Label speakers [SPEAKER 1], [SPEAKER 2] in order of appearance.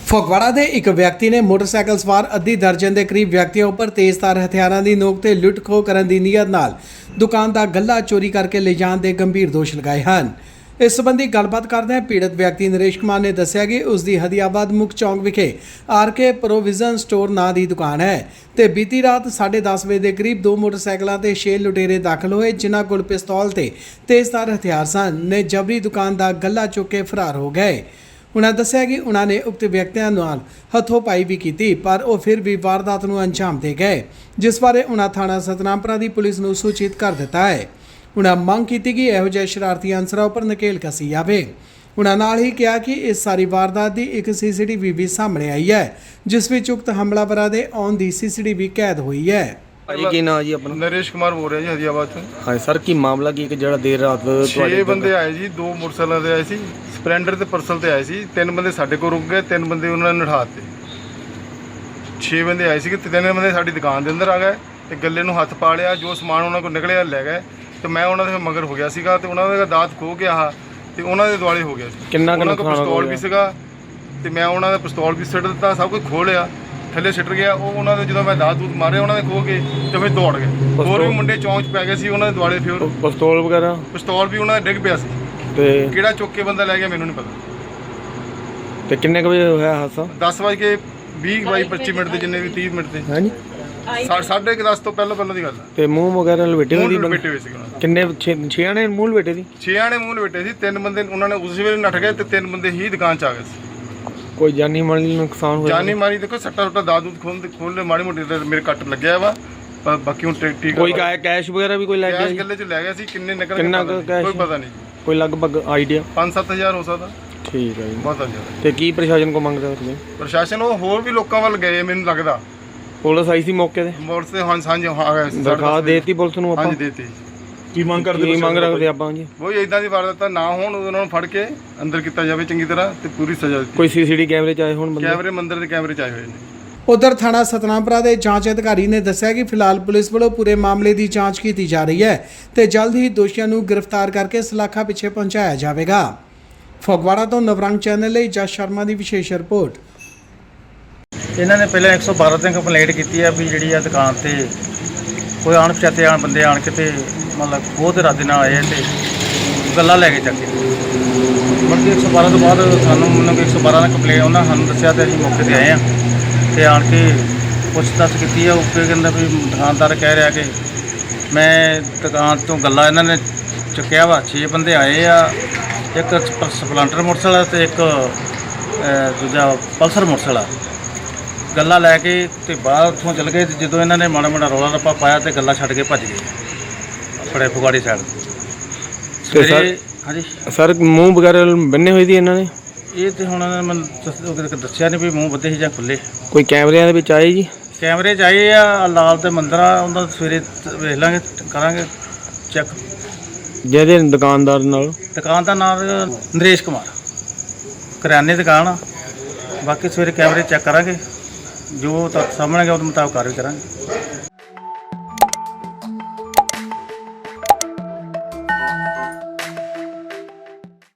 [SPEAKER 1] ਫਗਵਾੜਾ ਦੇ ਇੱਕ ਵਿਅਕਤੀ ਨੇ ਮੋਟਰਸਾਈਕਲ ਸਵਾਰ ਅੱਧੀ ਦਰਜਨ ਦੇ ਕਰੀਬ ਵਿਅਕਤੀਆਂ ਉੱਪਰ ਤੇਜ਼ਧਾਰ ਹਥਿਆਰਾਂ ਦੀ ਨੋਕ ਤੇ ਲੁੱਟ-ਖੋਹ ਕਰਨ ਦੀ ਨੀਅਤ ਨਾਲ ਦੁਕਾਨ ਦਾ ਗੱਲਾ ਚੋਰੀ ਕਰਕੇ ਲਿਜਾਣ ਦੇ ਗੰਭੀਰ ਦੋਸ਼ ਲਗਾਏ ਹਨ। ਇਸ ਸੰਬੰਧੀ ਗੱਲਬਾਤ ਕਰਦਿਆਂ ਪੀੜਤ ਵਿਅਕਤੀ ਨਰੇਸ਼ ਕੁਮਾਰ ਨੇ ਦੱਸਿਆ ਕਿ ਉਸ ਦੀ ਹਦੀਆਬਾਦ ਮੁੱਖ ਚੌਂਕ ਵਿਖੇ ਆਰਕੇ ਪ੍ਰੋਵੀਜ਼ਨ ਸਟੋਰ ਨਾਂ ਦੀ ਦੁਕਾਨ ਹੈ ਤੇ ਬੀਤੀ ਰਾਤ 10:30 ਵਜੇ ਦੇ ਕਰੀਬ ਦੋ ਮੋਟਰਸਾਈਕਲਾਂ ਤੇ 6 ਲੁਟੇਰੇ ਦਾਖਲ ਹੋਏ, ਜਿਨ੍ਹਾਂ ਕੋਲ ਪਿਸਤੌਲ ਤੇ ਤੇਜ਼ਧਾਰ ਹਥਿਆਰ ਸਨ ਨੇ ਜਬਰੀ ਦੁਕਾਨ ਦਾ ਗੱਲਾ ਚੁੱਕ ਕੇ ਫਰਾਰ ਹੋ ਗਏ। उन्होंने दस्सिया कि उन्होंने उक्त व्यक्तियों नाल हथोपाई भी की, पर वह फिर भी वारदात को अंजाम दे गए, जिस बारे उन्होंने थाना सतनामपुरा की पुलिस को सूचित कर दिता है। उन्होंने मंग की कि इहो जिहे शरारती अंसरां उपर नकेल कसी जाए। उन्होंने नाल ही कहा कि इस सारी वारदात की एक CCTV भी सामने आई है, जिस विच उक्त हमलावरां दे आउण दी CCTV कैद हुई है।
[SPEAKER 2] की नाम जी अपना?
[SPEAKER 3] नरेश कुमार बोल रहे हैं जी हदियाबाद से।
[SPEAKER 2] हाँ सर, की मामला की जरा देर रात
[SPEAKER 3] 6 बंदे आए जी, 2 मोटरसाइकिल ते आए सी, स्प्लेंडर ते परसल ते आए सी। 3 बंदे साडे को रुक गए, 3 बंदे उन्होंने नठाते। 6 बंदे आए सी कि 3 बंदे साडी दुकान दे अंदर आ गए ते गले नूं हथ पा लिया, जो समान उन्होंने को निकलिया ले गए ते मैं उन्होंने दे मगर हो गया सीगा ते उन्होंने दा दात खो गया ते उन्होंने दे दुआले हो गया सी।
[SPEAKER 2] किन्ना
[SPEAKER 3] उन्होंने को पिस्तौल भी सीगा ते मैं उन्होंने पिस्तौल भी सिट दिता, सब कुछ खो लिया, थले सिट गया। उन्होंने जो मैं दात दूत मारे उन्होंने खो के तो फिर दौड़ गए। होर भी मुंडे चौंच पै गए सी उन्होंने दुआले, फिर
[SPEAKER 2] पिस्तौल वगैरह
[SPEAKER 3] पिस्तौल भी उन्होंने डिग पिया सी
[SPEAKER 2] ते
[SPEAKER 3] किहड़ा चुक के बंदा लै गया मैनूं नहीं पता।
[SPEAKER 2] ते किन्ने बजे होया हादसा?
[SPEAKER 3] 10:20-25 ते जिन्ने भी 30 मिनट ते
[SPEAKER 2] हां जी
[SPEAKER 3] 10:30 तो पहले दी गल है।
[SPEAKER 2] ते मुंह वगैरह लपेटे हुए
[SPEAKER 3] मूंह लपेटे हुए सी उन्होंने।
[SPEAKER 2] किन्ने 6 ने मुंह लपेटे दी?
[SPEAKER 3] 6 ने मूंह लपेटे सी। 3 बंदे उन्होंने उस वेले नठ गए ते 3 बंदे ही दुकान च आ गए सी।
[SPEAKER 2] कोई जानी माली नुकसान होया?
[SPEAKER 3] जानी मारी देखो सट्टा सुट्टा दाद दूध खोल माड़ी मोटी मेरे कट लग्या वा, पर बाकी हुण ठीक
[SPEAKER 2] कोई कैश वगैरह भी कोई ले गया?
[SPEAKER 3] कैश गले च ले गया सी, किन्ने निकल
[SPEAKER 2] किन्ना
[SPEAKER 3] गए
[SPEAKER 2] कैश?
[SPEAKER 3] कोई पता नहीं,
[SPEAKER 2] कोई लगभग आइडिया?
[SPEAKER 3] 5-7 हज़ार हो सकदा।
[SPEAKER 2] ठीक है जी।
[SPEAKER 3] बहुत ज़्यादा।
[SPEAKER 2] ते की प्रशासन को मंगदा तुसीं?
[SPEAKER 3] प्रशासन वो होर भी लोकां वल गए मैनूं लगदा।
[SPEAKER 2] पुलिस आई सी मौके ते?
[SPEAKER 3] मोड़ से हां आ गए।
[SPEAKER 2] दरखास्त देती पुलिस नूं
[SPEAKER 3] हां
[SPEAKER 2] आपां?
[SPEAKER 3] जी देती।
[SPEAKER 2] की मंग रखदे आपां जी?
[SPEAKER 3] वो इदां दी वारदात ना होण, उन्हां नूं फड़ के अंदर कीता जावे चंगी तरह ते पूरी सज़ा दित्ती।
[SPEAKER 2] कोई CCTV कैमरे च आए होण बंदे?
[SPEAKER 3] कैमरे मंदिर दे कैमरे च आए होए ने।
[SPEAKER 1] उधर थाना सतनामपुरा के जांच अधिकारी ने दस्सिया कि फिलहाल पुलिस वालों पूरे मामले की जांच की जा रही है तो जल्द ही दोषियों को गिरफ्तार करके सलाखा पिछे पहुंचाया जाएगा। फगवाड़ा तो नवरंग चैनल ਲਈ जस शर्मा की विशेष रिपोर्ट।
[SPEAKER 4] ਇਹਨਾਂ ਨੇ ਪਹਿਲਾਂ 112 ਤੇ ਕੰਪਲੇਂਟ ਕੀਤੀ ਹੈ ਵੀ ਜਿਹੜੀ ਆ ਦੁਕਾਨ ਤੇ ਕੋਈ ਅਣਪਛਾਤੇ ਬੰਦੇ ਆਣ ਕੇ ਤੇ ਮਤਲਬ ਖੋਹ ਦੇ ਇਰਾਦੇ ਨਾਲ ਆਏ ਤੇ ਗੱਲਾਂ ਲੈ ਕੇ ਚੱਕ ਕੇ ਬਲਕਿ 112 ਤੋਂ ਬਾਅਦ ਮੈਨੂੰ 112 ਦਾ ਕੰਪਲੇਂਟ ਉਹਨਾਂ ਸਾਨੂੰ ਦੱਸਿਆ ਤੇ ਅਸੀਂ ਮੌਕੇ ਤੇ ਆਏ ਆ ਤੇ ਆਣ ਕੇ ਪੁੱਛਤਾਛ ਕੀਤੀ ਆ। ਉਹ ਕਹਿੰਦਾ ਵੀ ਦੁਕਾਨਦਾਰ ਕਹਿ ਰਿਹਾ ਕਿ ਮੈਂ ਦੁਕਾਨ ਤੋਂ ਗੱਲਾਂ ਇਹਨਾਂ ਨੇ ਚੁੱਕਿਆ ਵਾ। 6 ਬੰਦੇ ਆਏ ਆ, ਇੱਕ ਸਪਲੈਂਡਰ ਮੋਟਰਸਾਈਕਲ ਤੇ ਇੱਕ ਦੂਜਾ ਪਲਸਰ ਮੋਟਰਸਾਈਕਲ ਗੱਲਾਂ ਲੈ ਕੇ ਤੇ ਬਾਹਰ ਉੱਥੋਂ ਚਲ ਗਏ। ਜਦੋਂ ਇਹਨਾਂ ਨੇ ਮਾੜਾ ਮਾੜਾ ਰੌਲਾ ਰੱਪਾ ਪਾਇਆ ਤੇ ਗੱਲਾਂ ਛੱਡ ਕੇ ਭੱਜ ਗਏ ਆਪਣੇ ਫਗਵਾੜੇ ਸਾਈਡ। ਸਵੇਰੇ ਹਾਂਜੀ
[SPEAKER 2] ਸਰ ਮੂੰਹ ਵਗੈਰਾ ਬੰਨੇ ਹੋਏ ਸੀ ਇਹਨਾਂ ਨੇ?
[SPEAKER 4] ਇਹ ਤੇ ਹੁਣ ਮੈਨੂੰ ਦੱਸਿਆ ਨਹੀਂ ਵੀ ਮੂੰਹ ਬੱਧੇ ਸੀ ਜਾਂ ਖੁੱਲੇ।
[SPEAKER 2] ਕੋਈ ਕੈਮਰਿਆਂ ਦੇ ਵਿੱਚ ਆਏ ਜੀ?
[SPEAKER 4] ਕੈਮਰੇ 'ਚ ਆਏ ਆ, ਲਾਲ ਤੇ ਮੰਦਰ ਆ, ਉਹਨਾਂ ਦਾ ਸਵੇਰੇ ਵੇਖ ਲਾਂਗੇ, ਕਰਾਂਗੇ ਚੈੱਕ।
[SPEAKER 2] ਜਿਹਦੇ ਦੁਕਾਨਦਾਰ ਨਾਲ?
[SPEAKER 4] ਦੁਕਾਨ ਦਾ ਨਾਮ ਨਰੇਸ਼ ਕੁਮਾਰ, ਕਰਿਆਨੇ ਦੁਕਾਨ ਆ। ਬਾਕੀ ਸਵੇਰੇ ਕੈਮਰੇ ਚੈੱਕ ਕਰਾਂਗੇ, ਜੋ ਤੱਕ ਸਾਹਮਣੇ ਗਿਆ ਉਹਦੇ ਮੁਤਾਬਕ ਕਾਰਵਾਈ ਕਰਾਂਗੇ।